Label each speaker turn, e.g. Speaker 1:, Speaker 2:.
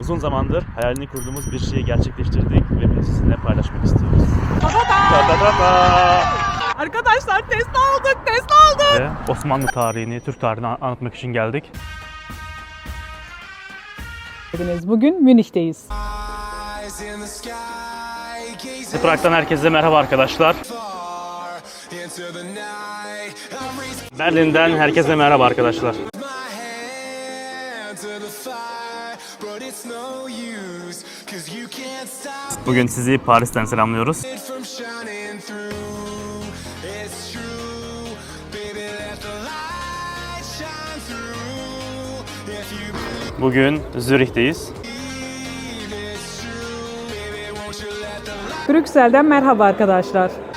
Speaker 1: Uzun zamandır hayalini kurduğumuz bir şeyi gerçekleştirdik ve bunu sizinle paylaşmak istiyoruz.
Speaker 2: Arkadaşlar Tesla aldık.
Speaker 1: Ve Osmanlı tarihini, Türk tarihini anlatmak için geldik.
Speaker 2: Bugün Münih'teyiz.
Speaker 1: Prag'dan herkese merhaba arkadaşlar. Berlin'den herkese merhaba arkadaşlar. Bugün sizi Paris'ten selamlıyoruz. Bugün Zürih'teyiz.
Speaker 2: Brüksel'den merhaba arkadaşlar.